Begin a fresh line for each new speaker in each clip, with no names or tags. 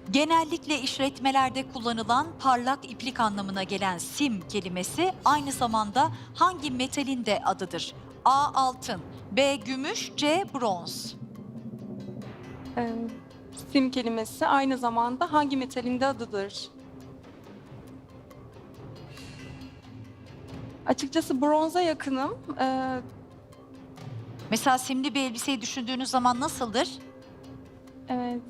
Genellikle işletmelerde kullanılan parlak iplik anlamına gelen sim kelimesi aynı zamanda hangi metalin de adıdır? A. Altın, B. Gümüş, C. Bronz.
Ee, Sim kelimesi aynı zamanda hangi metalin de adıdır? Açıkçası bronza yakınım.
Mesela simli bir elbiseyi düşündüğünüz zaman nasıldır?
Evet.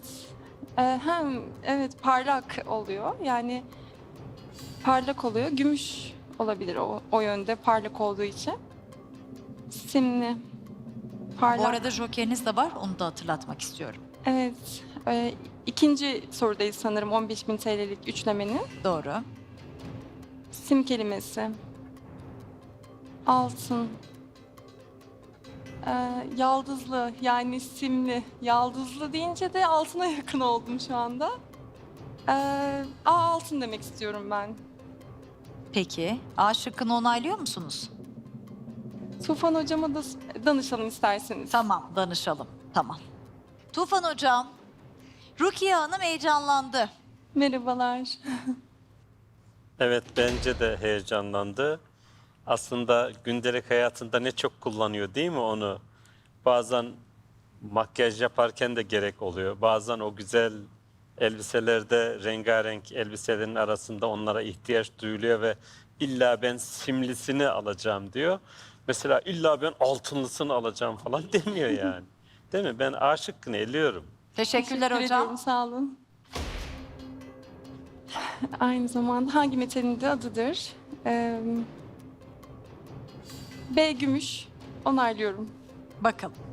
Evet, parlak oluyor. Yani parlak oluyor. Gümüş olabilir o yönde parlak olduğu için. Simli, parlak.
Bu arada jokeriniz de var, onu da hatırlatmak istiyorum.
Evet. İkinci sorudayız sanırım 15.000 TL'lik üçlemenin.
Doğru.
Sim kelimesi. Altın. Yaldızlı yani simli. Yaldızlı deyince de altına yakın oldum şu anda. Altın demek istiyorum ben.
Peki, A şıkkını onaylıyor musunuz?
Tufan hocama da danışalım isterseniz.
Tamam, danışalım. Tamam. Tufan Hocam, Rukiye Hanım heyecanlandı.
Merhabalar.
Evet, bence de heyecanlandı. Aslında gündelik hayatında ne çok kullanıyor değil mi onu? Bazen makyaj yaparken de gerek oluyor. Bazen o güzel elbiselerde rengarenk elbiselerin arasında onlara ihtiyaç duyuluyor ve illa ben simlisini alacağım diyor. Mesela illa ben altınlısını alacağım falan demiyor yani. Değil mi? Ben A şıkkını eliyorum.
Teşekkürler
Teşekkür
hocam.
ediyorum, sağ olun. Aynı zamanda hangi metalin de adıdır? B gümüş. Onaylıyorum.
Bakalım.